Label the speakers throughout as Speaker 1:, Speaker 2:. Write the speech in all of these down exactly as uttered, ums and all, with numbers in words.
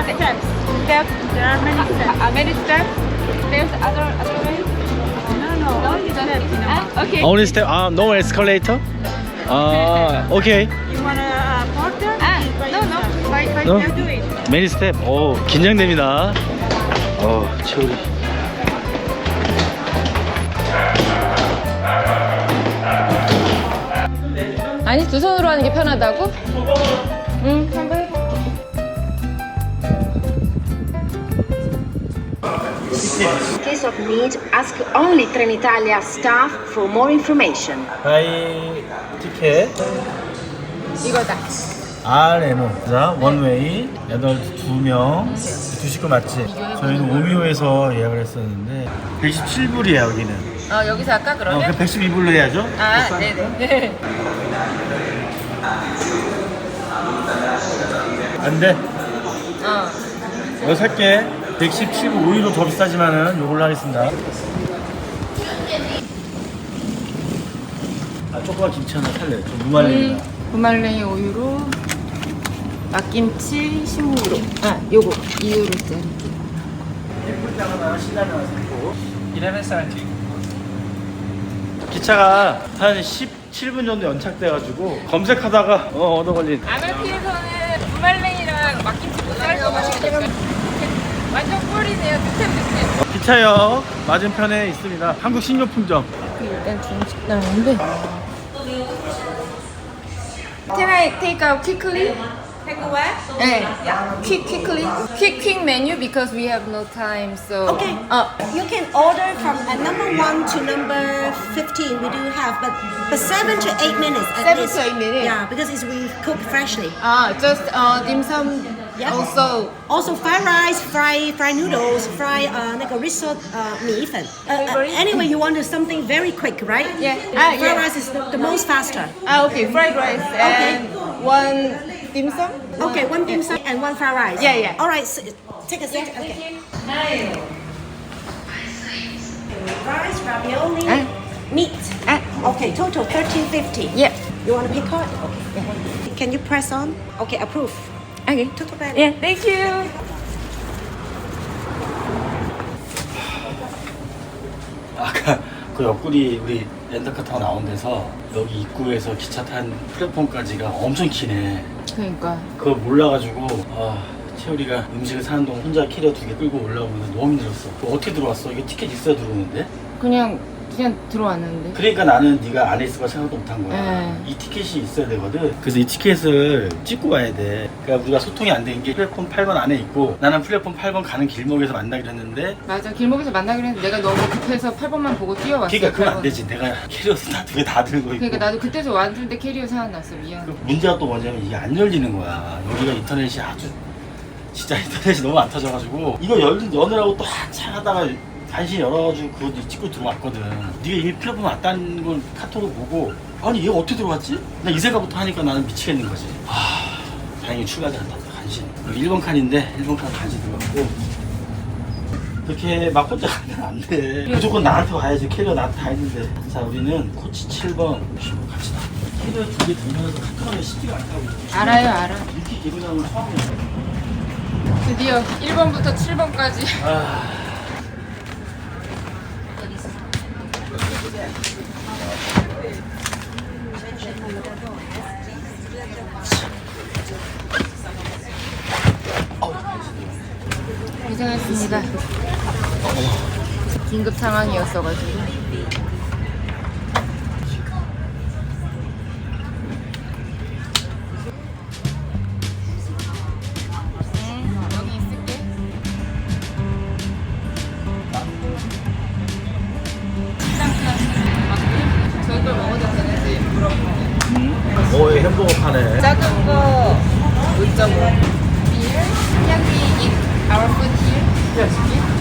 Speaker 1: steps. Steps. There are many steps. Uh, many steps. There's other other ways. No, no, only steps. Uh, okay.
Speaker 2: Only step. 아, no escalator. 아, okay.
Speaker 1: You want a porter?
Speaker 3: Ah,
Speaker 1: no, no. By by
Speaker 2: No?
Speaker 1: no? do it.
Speaker 2: Many step. 오, 긴장됩니다. 어, 채우리.
Speaker 3: 아니 두 손으로 하는 게 편하다고? 응, 한번 해봐.
Speaker 4: In case of need, ask only Trenitalia staff for more information.
Speaker 2: 바이 티켓.
Speaker 3: 이거다.
Speaker 2: 아레노. 자, 원웨이. 여덟 두 명. 두 식구 맞지? 저희는 오미오에서 예약을 했었는데 백십칠 불이야 여기는.
Speaker 3: 어 여기서 할까
Speaker 2: 어,
Speaker 3: 그러면?
Speaker 2: 그 백십이 불로 해야죠?
Speaker 3: 아, 네네.
Speaker 2: 안 돼.
Speaker 3: 어.
Speaker 2: 이거 살게. 백십칠 불 오히려 더 비싸지만은 요걸로 하겠습니다. 아, 조그만 김치 하나 살래. 좀 무말랭이다.
Speaker 3: 무말랭이 오유로, 막김치 십오 유로. 아, 요거 이 유로짜리.
Speaker 2: 일분장 하나, 신라면 하나 샀고. 기차가 한 십칠 분 정도 연착돼가지고 검색하다가 어, 얻어 걸린.
Speaker 3: 아메피에서는 무말랭이랑 막김치 모자랄 거 맛있겠어요. 완전 꿀이네요. 득템 득템.
Speaker 2: 기차역 맞은편에 있습니다. 한국 식료품점.
Speaker 3: 일단 중식당인데. Can I take out quickly?
Speaker 1: Take away.
Speaker 3: 네. Quick quickly. Quick quick menu because we have no time. So.
Speaker 5: Okay.
Speaker 3: 어.
Speaker 5: You can order from uh, number one to number fifteen. We do have, but but seven to eight minutes. At
Speaker 3: Seven
Speaker 5: least.
Speaker 3: to eight minutes.
Speaker 5: Yeah, because it's we cook freshly.
Speaker 3: 아, just uh, dim sum.
Speaker 5: Yeah.
Speaker 3: Also.
Speaker 5: Also, fried rice, fried fried noodles, fried uh, 那个 risotto uh, 米粉. Uh, uh,
Speaker 3: Favorite?
Speaker 5: anyway, you want something very quick, right?
Speaker 3: Yeah.
Speaker 5: Uh,
Speaker 3: Ah,
Speaker 5: fried
Speaker 3: yeah.
Speaker 5: rice is the, the most faster.
Speaker 3: Ah, okay. Fried rice and one dim sum.
Speaker 5: Okay, one dim sum and one fried rice.
Speaker 3: Yeah, yeah.
Speaker 5: All right, so, take a seat. Okay. Rice, ravioli,
Speaker 3: Ah.
Speaker 5: meat.
Speaker 3: Ah.
Speaker 5: Okay, total thirteen fifty.
Speaker 3: Yeah.
Speaker 5: You want to pick card? Okay. Can you press on? Okay, approve.
Speaker 3: Okay.
Speaker 5: Total value.
Speaker 3: Yeah. Thank you.
Speaker 2: 아까 그 옆구리 우리 렌터카 타고 나온 데서 여기 입구에서 기차 탄 플랫폼까지가 엄청 기네.
Speaker 3: 그러니까.
Speaker 2: 그거 몰라가지고 아, 채우리가 음식을 사는 동안 혼자 캐리어 두 개 끌고 올라오는데 너무 힘들었어. 그거 어떻게 들어왔어? 이게 티켓 있어야 들어오는데?
Speaker 3: 그냥 그냥 들어왔는데.
Speaker 2: 그러니까 나는 네가 안에 있을 거 생각도 못한 거야.
Speaker 3: 네.
Speaker 2: 이 티켓이 있어야 되거든. 그래서 이 티켓을 찍고 와야 돼. 그러니까 우리가 소통이 안 된 게 플랫폼 팔 번 안에 있고 나는 플랫폼 팔 번 가는 길목에서 만나기로 했는데
Speaker 3: 맞아. 길목에서 만나기로 했는데 내가 너무 급해서 팔 번만 보고 뛰어왔어.
Speaker 2: 그러니까 그건 안
Speaker 3: 팔 번.
Speaker 2: 되지. 내가 캐리어 다 두 개 다 들고 있고.
Speaker 3: 그러니까 나도 그때서 왔는데 캐리어 생각났어. 미안.
Speaker 2: 그 문제가 또 뭐냐면 이게 안 열리는 거야. 여기가 인터넷이 아주 진짜 인터넷이 너무 안 터져가지고 이거 열, 여느라고 또 한참 하다가 간신히 열어가지고 그거 찍고 들어왔거든. 네가 이미 플랫폼 왔다는 걸 카톡으로 보고 아니 얘 어떻게 들어왔지? 나 이 생각부터 하니까 나는 미치겠는 거지. 하, 다행히 출발이 안 났다. 간신히. 여기 일 번 칸인데 일 번 칸 간신히 들어갔고 그렇게 막 혼자 가면 안 돼. 무조건 나한테 와야지. 캐리어 나한테 다 있는데. 자 우리는 코치 칠 번 갑시다. 캐리어 두 개 들면서 카톡하면 쉽지가 않다고.
Speaker 3: 알아요, 알아.
Speaker 2: 이렇게 기분하는 건 처음이야.
Speaker 3: 드디어 일 번부터 칠 번까지.
Speaker 2: 아...
Speaker 3: 고생했습니다. 긴급 상황이었어가지고. 응, 여기 있을게. 식당 클래스 맞고 저희 걸 먹어도 되는지 물어보네.
Speaker 2: 음? 오, 햄버거 파네.
Speaker 3: 작은 거 오 점 오. Beer? Can we eat our food here? Yes.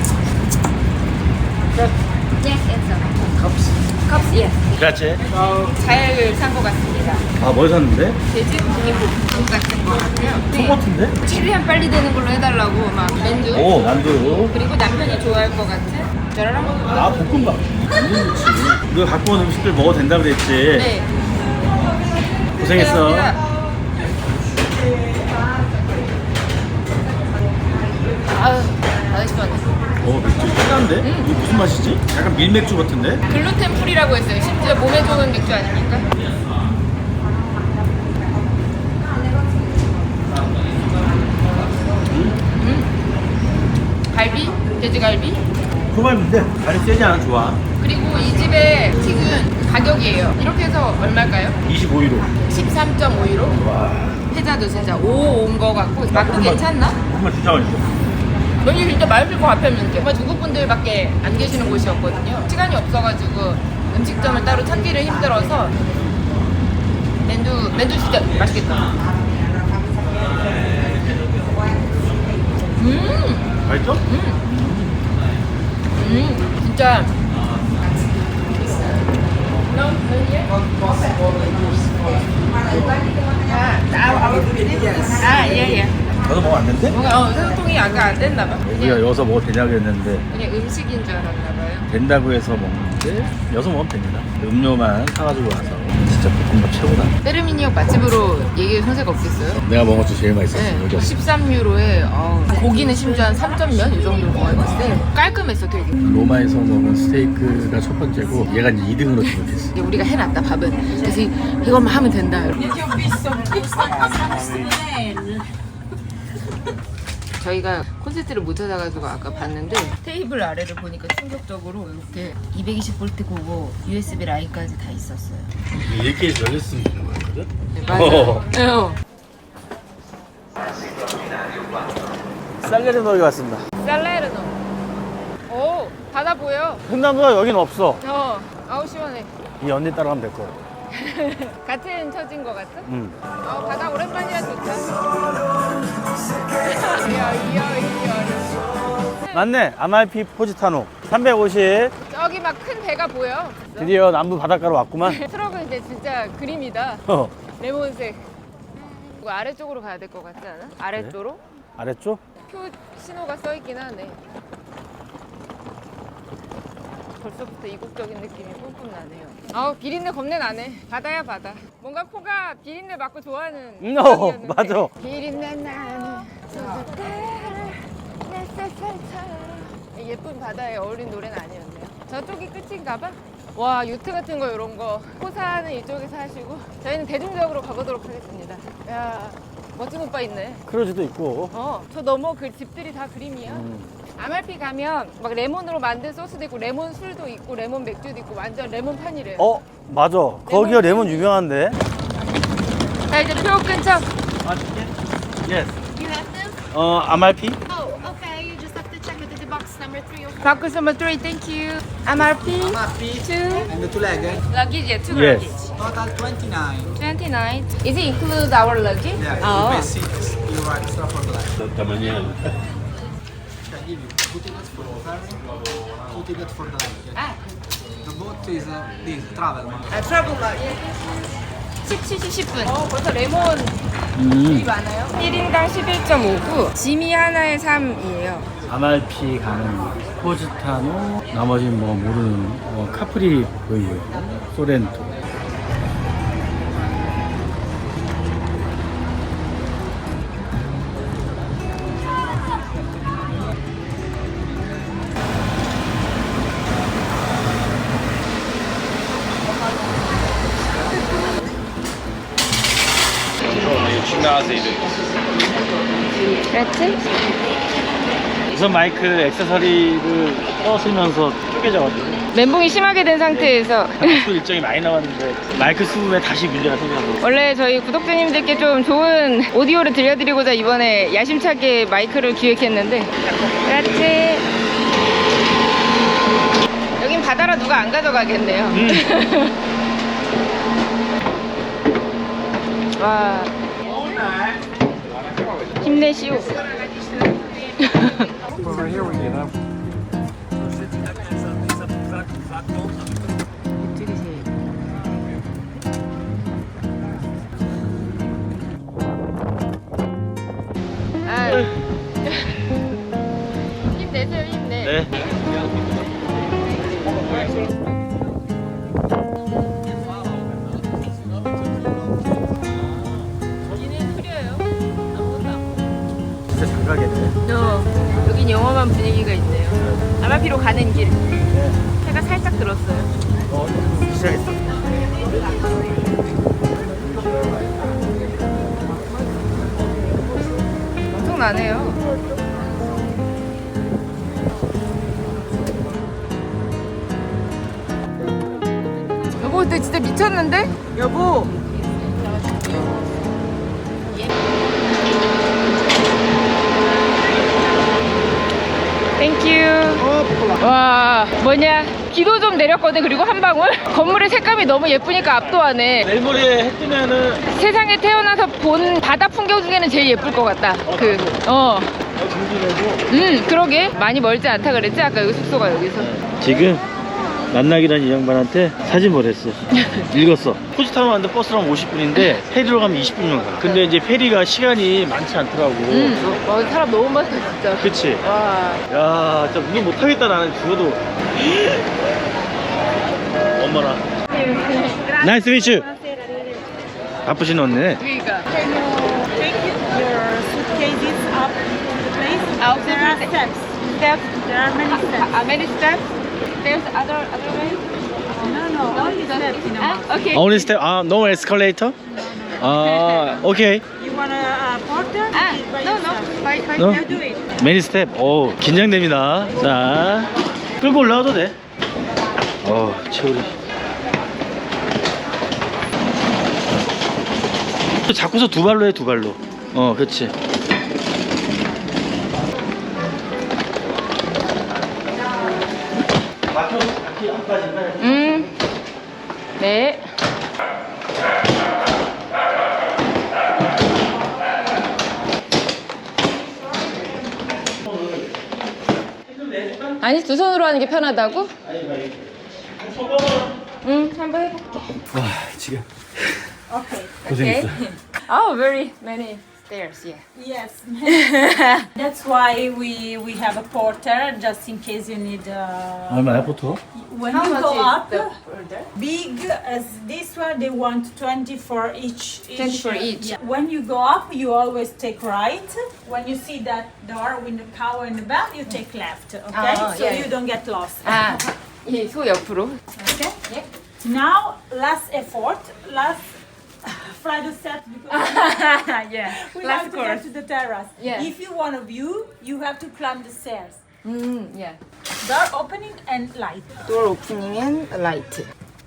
Speaker 3: Yes, it's okay.
Speaker 2: 컵스.
Speaker 3: Cups, yes.
Speaker 2: 그렇지.
Speaker 3: 잘 산 것 같습니다.
Speaker 2: 아, 뭘 샀는데?
Speaker 3: 돼지 고기볶음 같은 거 같고요.
Speaker 2: 소 같은데?
Speaker 3: 최대한 빨리 되는 걸로 해달라고 막 맨두.
Speaker 2: 오, 난도.
Speaker 3: 그리고 남편이 좋아할 것 같은 짜라랑.
Speaker 2: 아, 볶음밥. 완전 좋지. 너 갖고 온 음식들 먹어도 된다 그랬지?
Speaker 3: 네.
Speaker 2: 고생했어.
Speaker 3: 감사합니다. 아유, 아주 시원해.
Speaker 2: 어 맥주 진한데?
Speaker 3: 음.
Speaker 2: 이거 무슨 맛이지? 약간 밀맥주 같은데?
Speaker 3: 글루텐 프리라고 했어요. 심지어 몸에 좋은 맥주 아닙니까? 음. 갈비? 돼지갈비?
Speaker 2: 초밥인데 간이 세지 않아 좋아.
Speaker 3: 그리고 이 집의 튀은 가격이에요. 이렇게 해서 얼마일까요?
Speaker 2: 이십오 유로.
Speaker 3: 십삼 점 오 유로?
Speaker 2: 와.
Speaker 3: 세자도 세자. 오 온 거 같고 맛도 괜찮나?
Speaker 2: 정말 진짜 맛있어.
Speaker 3: 여기 진짜 맛있을 것 같았는데 정말 중국 분들밖에 안 계시는 곳이었거든요. 시간이 없어가지고 음식점을 따로 찾기를 힘들어서 맨두 맨두 진짜 맛있겠다. 음,
Speaker 2: 맛있어?
Speaker 3: 음, 진짜. 아, 예, 예.
Speaker 2: 너도 먹으면 안 된대?
Speaker 3: 뭔가 어, 소통이 아까 안 됐나 봐.
Speaker 2: 우리가
Speaker 3: 그냥,
Speaker 2: 여기서 먹어도 되냐고 했는데
Speaker 3: 그냥 음식인 줄 알았나 봐요.
Speaker 2: 된다고 해서 먹는데 여기서 먹으면 됩니다. 음료만 사가지고 와서 진짜 볶음밥 최고다.
Speaker 3: 때르미니역 맛집으로 얘기할 손색 없겠어요?
Speaker 2: 내가 먹은 것 중에 제일 맛있었어.
Speaker 3: 네,
Speaker 2: 여기가.
Speaker 3: 십삼 유로에 어, 고기는 심지어 한 삼 점 몇 이 정도로 먹었을 때 깔끔했어 되게.
Speaker 2: 로마에서 먹은 스테이크가 첫 번째고 얘가 이제 이 등으로 등록했어.
Speaker 3: 이제 우리가 해놨다 밥은. 그래서 이- 이것만 하면 된다. 저희가 콘센트를 못 찾아가지고 아까 봤는데 테이블 아래를 보니까 충격적으로 이렇게 이백이십 볼트 고고 유에스비 라인까지 다 있었어요.
Speaker 2: 이렇게 해서 열렸으면 되는 거였거든?
Speaker 3: 네, 맞아요. 네, 어.
Speaker 2: 살레르노에 왔습니다.
Speaker 3: 살레르노. 오, 바다 보여.
Speaker 2: 횡단도가 여긴 없어.
Speaker 3: 어, 아우 시원해.
Speaker 2: 이 언니 따라가면 될 거야.
Speaker 3: 같은 처진 것 같아?
Speaker 2: 응.
Speaker 3: 어, 바다 오랜만이야 좋다. 이야, 이야, 이야.
Speaker 2: 맞네. 아말피 포지타노. 삼백오십.
Speaker 3: 저기 막 큰 배가 보여.
Speaker 2: 드디어 남부 바닷가로 왔구만.
Speaker 3: 트럭은 이제 진짜 그림이다.
Speaker 2: 어.
Speaker 3: 레몬색. 이거 아래쪽으로 가야 될 것 같지 않아? 아래쪽으로?
Speaker 2: 아래쪽?
Speaker 3: 표 신호가 써 있긴 하네. 벌써부터 이국적인 느낌이 뿜뿜 나네요. 아우 비린내 겁내 나네. 바다야 바다. 뭔가 코가 비린내 맡고 좋아하는
Speaker 2: 음, 어,
Speaker 3: 지역이었는데.
Speaker 2: 맞아.
Speaker 3: 비린내 나는 수줍게 내 세상처럼. 예쁜 바다에 어울린 노래는 아니었네요. 저쪽이 끝인가 봐. 와 요트 같은 거 이런 거 호사는 이쪽에서 하시고 저희는 대중적으로 가보도록 하겠습니다. 야 멋진 오빠 있네.
Speaker 2: 크루즈도 있고.
Speaker 3: 어, 저 너머 그 집들이 다 그림이야.
Speaker 2: 음.
Speaker 3: 아말피 가면 막 레몬으로 만든 소스도 있고 레몬 술도 있고 레몬 맥주도 있고 완전 레몬판이래요.
Speaker 2: 어, 맞아. 거기가 레몬 유명한데.
Speaker 3: 자 이제 표 끊죠.
Speaker 2: 아, 진짜? Yes.
Speaker 1: You have them?
Speaker 2: 어, 아말피?
Speaker 1: Oh, okay. You just have to check with the box number three or four.
Speaker 3: 바크 넘버 three, thank you. 아말피.
Speaker 6: Amalfi
Speaker 3: two.
Speaker 6: and the two legged.
Speaker 3: Luggage, yeah, two
Speaker 2: Yes.
Speaker 3: luggage.
Speaker 6: Total twenty-nine.
Speaker 3: twenty-nine. Is it include our luggage?
Speaker 6: Yeah,
Speaker 3: Oh.
Speaker 6: you pay six. You are extra for the leg.
Speaker 2: 잠깐만요.
Speaker 6: Can give you two tickets for the ferry, two tickets for the leg.
Speaker 3: 아,
Speaker 6: The boat is uh, this travel man.
Speaker 3: 아 트러블 luggage. 십칠 시 십 분. 어, 벌써 레몬
Speaker 2: 음.
Speaker 3: 이 많아요. 일 인당 십일 점 오구. 짐이 하나에 삼이에요.
Speaker 2: 아말피 가는 포지타노, 나머지는 뭐 모르는 어, 카프리 보이고 소렌토.
Speaker 3: 그렇지?
Speaker 2: 우선 마이크 액세서리를 써쓰면서 쪼개져가지고
Speaker 3: 멘붕이 심하게 된 상태에서
Speaker 2: 또 일정이 많이 나왔는데 마이크 수급에 다시 문제가 생겨서
Speaker 3: 원래 저희 구독자님들께 좀 좋은 오디오를 들려드리고자 이번에 야심차게 마이크를 기획했는데 그렇지. 여긴 바다라 누가 안 가져가겠네요.
Speaker 2: 음.
Speaker 3: 와 힘내시오.
Speaker 6: Over here we get up.
Speaker 3: 아, 힘내세요 힘내.
Speaker 2: 네.
Speaker 3: 여기는 흐려요. 아무것도 안 보여.
Speaker 2: 진짜 가겠네.
Speaker 3: 어, 여긴 영험한 분위기가 있네요. 아마피로 가는 길. 해가 살짝 들었어요.
Speaker 2: 어, 시작했어.
Speaker 3: 엄청나네요. 여보, 근데 진짜 미쳤는데? 여보. 땡큐. 와, 뭐냐? 기도 좀 내렸거든. 그리고 한 방울. 건물의 색감이 너무 예쁘니까 압도하네.
Speaker 2: 내일 모레 해 뜨면은
Speaker 3: 세상에 태어나서 본 바다 풍경 중에는 제일 예쁠 것 같다. 그, 어.
Speaker 2: 중지되고.
Speaker 3: 음, 그러게. 많이 멀지 않다 그랬지? 아까 여기 숙소가 여기서.
Speaker 2: 지금 만나기란 이 양반한테 사진 보냈어. 읽었어. 포지타운 왔는데 버스로 하면 오십 분인데 페리로 가면 이십 분이면 가. 근데 이제 페리가 시간이 많지 않더라고.
Speaker 3: 음, 어, 사람 너무 많다, 진짜.
Speaker 2: 그치?
Speaker 3: 와.
Speaker 2: 야, 진짜 운전 못하겠다 나는 죽어도. 엄마라. 나이스 미츠. 바쁘신 언니.
Speaker 3: 그러니까.
Speaker 1: Your suitcases up the place.
Speaker 3: Up
Speaker 1: There are steps.
Speaker 3: Steps.
Speaker 1: There are many steps.
Speaker 3: Uh, many steps. There's other other way.
Speaker 1: No, no, only steps in a
Speaker 3: Ah,
Speaker 1: mountain.
Speaker 3: okay.
Speaker 2: Only step. 아, no escalator? 아, 오케이.
Speaker 1: You want a uh, porter?
Speaker 3: Ah,
Speaker 1: Do it by
Speaker 3: no, no.
Speaker 1: yourself.
Speaker 3: By, by
Speaker 2: No?
Speaker 1: You do it.
Speaker 2: 매니 스텝. 오, 긴장됩니다. 자, 끌고 올라와도 돼. 어, 채우리. 잡고서 두 발로 해, 두 발로. 어, 그렇지. 막혀, 바퀴 안 빠진다.
Speaker 3: 음. 네. 아니, 두 손으로 하는 게 편하다고? 응, 한번 해볼게.
Speaker 2: 와, 지금
Speaker 1: Okay.
Speaker 2: 고생했어.
Speaker 3: Oh, very many stairs, yeah.
Speaker 1: Yes. That's why we we have a porter just in case you need. Uh,
Speaker 2: 얼마야, 보통?
Speaker 1: when
Speaker 3: How
Speaker 1: you
Speaker 3: much
Speaker 1: go
Speaker 3: is
Speaker 1: up,
Speaker 3: the order?
Speaker 1: big as this one, they want twenty for each.
Speaker 3: twenty for
Speaker 1: uh,
Speaker 3: each.
Speaker 1: yeah. When you go up, you always take right. When you see that door with the cow in the back, you take left. Okay,
Speaker 3: Oh,
Speaker 1: so
Speaker 3: yeah.
Speaker 1: you don't get lost.
Speaker 3: 아, 이 소 옆으로.
Speaker 1: Okay.
Speaker 3: 예.
Speaker 1: Now, last effort, last flight of steps because
Speaker 3: yeah.
Speaker 1: we
Speaker 3: Last
Speaker 1: have to
Speaker 3: course.
Speaker 1: get to the terrace.
Speaker 3: Yeah.
Speaker 1: If you want a view, you have to climb the stairs.
Speaker 3: 음, yeah.
Speaker 1: Door opening and light.
Speaker 3: Door opening and light.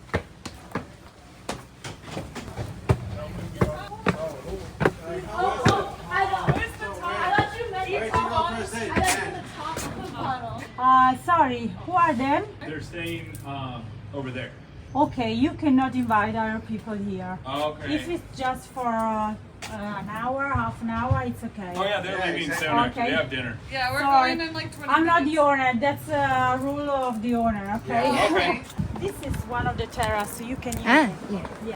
Speaker 1: Uh, sorry, who are them?
Speaker 7: They're staying um, over there.
Speaker 1: Okay, you cannot invite other people here.
Speaker 7: Okay.
Speaker 1: If it's just for uh, uh, an hour, half an hour, it's okay.
Speaker 7: Oh yeah, they're leaving soon. Actually,
Speaker 1: Okay.
Speaker 7: they have dinner.
Speaker 8: Yeah, we're
Speaker 1: Sorry.
Speaker 8: going in like twenty
Speaker 1: I'm not
Speaker 8: minutes.
Speaker 1: the owner. That's a rule of the owner. Okay.
Speaker 7: Okay.
Speaker 1: This is one of the terrace, so you can use
Speaker 3: 아,
Speaker 1: it.
Speaker 3: 예.
Speaker 1: Yes.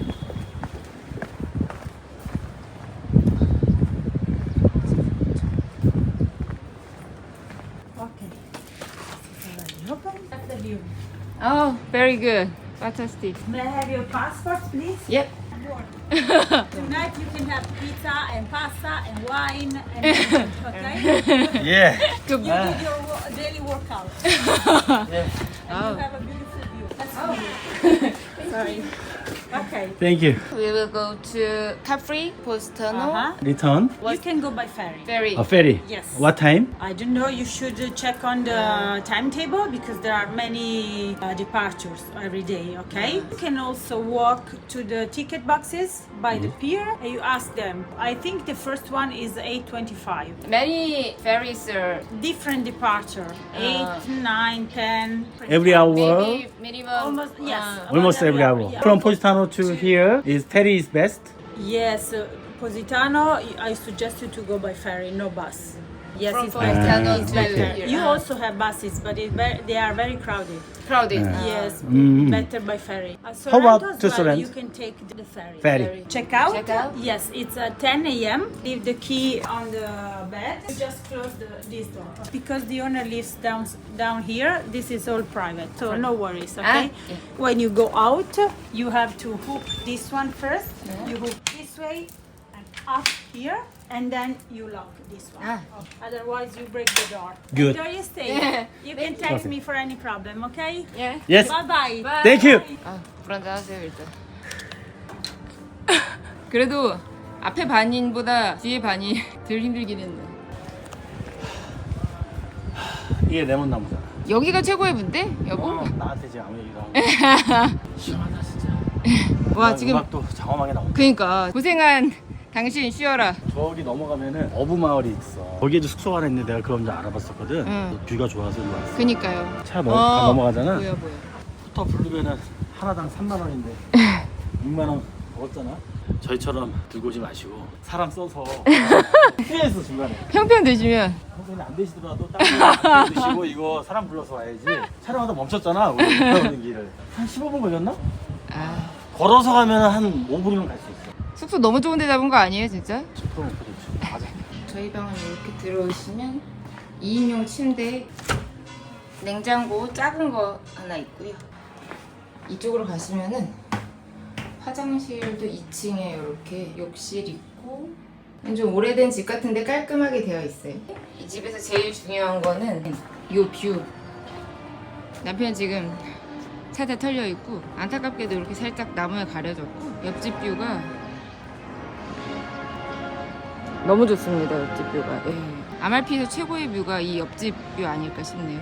Speaker 1: Okay. This is already open. That's the view.
Speaker 3: Oh, very good. Fantastic.
Speaker 1: May I have your passport, please?
Speaker 3: Yep.
Speaker 1: Tonight you can have pizza and pasta and wine and okay?
Speaker 2: 예.
Speaker 1: You did your wo- daily workout. And
Speaker 3: Oh.
Speaker 1: you have a beautiful view. That's oh. Sorry. Okay.
Speaker 2: Thank you.
Speaker 3: We will go to Capri, Positano.
Speaker 1: Uh-huh.
Speaker 2: Return.
Speaker 1: You can go by ferry.
Speaker 3: Ferry.
Speaker 2: A ferry.
Speaker 1: Yes.
Speaker 2: What time?
Speaker 1: I don't know, you should uh, check on the timetable because there are many uh, departures every day, okay? You can also walk to the ticket boxes by the pier and you ask them. I think the first one is eight twenty-five.
Speaker 3: Many ferries are
Speaker 1: Different departure, eight, nine, ten.
Speaker 2: Every hour.
Speaker 3: maybe minimum.
Speaker 1: Almost, yes.
Speaker 3: uh,
Speaker 1: about
Speaker 2: Almost every hour.
Speaker 1: yeah.
Speaker 2: From Positano to here is ferry is best.
Speaker 1: Yes, uh, Positano, I suggest you to go by ferry, no bus. Yes,
Speaker 3: From
Speaker 1: it's
Speaker 3: Positano
Speaker 1: better.
Speaker 3: to
Speaker 1: It's better.
Speaker 3: here.
Speaker 1: You
Speaker 3: Ah.
Speaker 1: also have buses, but it ve- they are very crowded.
Speaker 3: crowded.
Speaker 1: Yes,
Speaker 2: Mm.
Speaker 1: better by ferry. Uh,
Speaker 2: How about
Speaker 1: Sorrento as
Speaker 2: to
Speaker 1: well,
Speaker 2: Sorrento?
Speaker 1: You can take the ferry.
Speaker 2: Ferry.
Speaker 1: Check out?
Speaker 3: Check out?
Speaker 1: Yes, it's at ten a m Leave the key on the bed. You just close the, this door. Because the owner lives down down here, this is all private, so no worries, okay?
Speaker 3: Ah, yeah.
Speaker 1: When you go out, you have to hook this one first. You hook this way, and up here, and then you lock this one.
Speaker 3: Ah.
Speaker 1: Otherwise, you break the door.
Speaker 2: Good.
Speaker 1: Enjoy your stay. You can text me for any problem, okay?
Speaker 3: 예.
Speaker 2: Yes.
Speaker 1: Bye bye.
Speaker 2: Thank you.
Speaker 3: 아, 불안정하세요 일단. 그래도 앞에 반인보다 뒤에 반이 덜 힘들긴 했네.
Speaker 2: 이게 레몬나무잖아.
Speaker 3: 여기가 최고의 분데, 여보?
Speaker 2: 어, 나한테 지금 아무 얘기도 안 해. 시원하다 진짜.
Speaker 3: 와 지금
Speaker 2: 음악도 장엄하게 나온다.
Speaker 3: 그러니까 고생한 당신 쉬어라.
Speaker 2: 저기 넘어가면은 어부 마을이 있어. 거기에도 숙소가 하나 있는데 내가 그런 줄 알아봤었거든.
Speaker 3: 응.
Speaker 2: 뷰가 좋아서 일로 왔어.
Speaker 3: 그니까요.
Speaker 2: 차 넘, 다 넘어가잖아.
Speaker 3: 보여 보여.
Speaker 2: 스쿠터 부르면은 하나당 삼만 원인데 육만 원 먹었잖아. 저희처럼 들고 오지 마시고 사람 써서 후회했어 중간에.
Speaker 3: 평평 되시면
Speaker 2: 형편이 안 되시더라도 딱 드시고 이거 사람 불러서 와야지. 촬영하다 멈췄잖아. 우리 가는 길을 한 십오 분 걸렸나?
Speaker 3: 아,
Speaker 2: 걸어서 가면 한 오 분이면 갈 수 있어.
Speaker 3: 숙소 너무 좋은 데 잡은 거 아니에요 진짜?
Speaker 2: 십 분 먹고 좋지. 맞아.
Speaker 3: 저희 방은 이렇게 들어오시면 이 인용 침대, 냉장고 작은 거 하나 있고요. 이쪽으로 가시면은 화장실도 이 층에 이렇게 욕실 있고 좀 오래된 집 같은데 깔끔하게 되어 있어요. 이 집에서 제일 중요한 거는 이 뷰. 남편 지금 차 다 털려 있고 안타깝게도 이렇게 살짝 나무에 가려졌고 옆집 뷰가 너무 좋습니다. 옆집 뷰가. 예. 아말피에서 최고의 뷰가 이 옆집 뷰 아닐까 싶네요.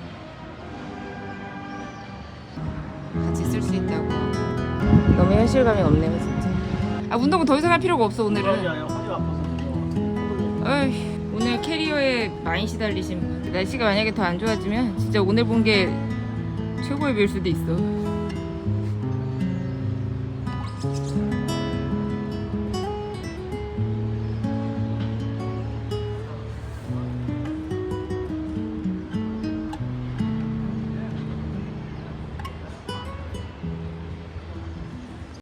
Speaker 3: 같이 쓸 수 있다고 너무 현실감이 없네요 진짜. 아 운동 더 이상 할 필요가 없어
Speaker 2: 그러지
Speaker 3: 오늘은.
Speaker 2: 않아요. 허리가 아파서.
Speaker 3: 어이, 오늘 캐리어에 많이 시달리신 분. 날씨가 만약에 더 안 좋아지면 진짜 오늘 본 게 최고의 뷰일 수도 있어.